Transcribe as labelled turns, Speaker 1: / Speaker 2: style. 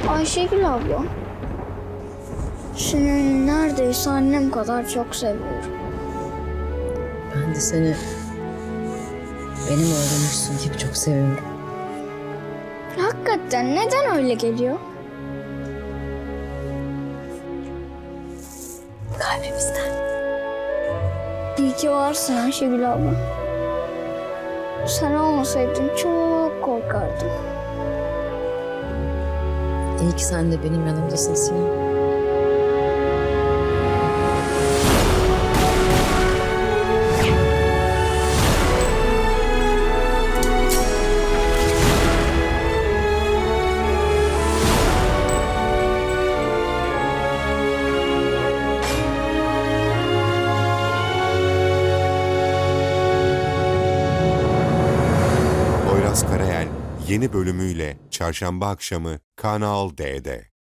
Speaker 1: Ayşegül abla, seni neredeyse annem kadar çok seviyorum.
Speaker 2: Ben de seni benim oğlumuşsun gibi çok seviyorum.
Speaker 1: Hakikaten neden öyle geliyor?
Speaker 2: Kalbimizden.
Speaker 1: İyi ki varsın Ayşegül abla. Sen olmasaydın çok korkardım.
Speaker 2: İyi ki sen de benim yanımdasın Sinan.
Speaker 3: Poyraz Karayel yeni bölümüyle Çarşamba akşamı Kanal D'de.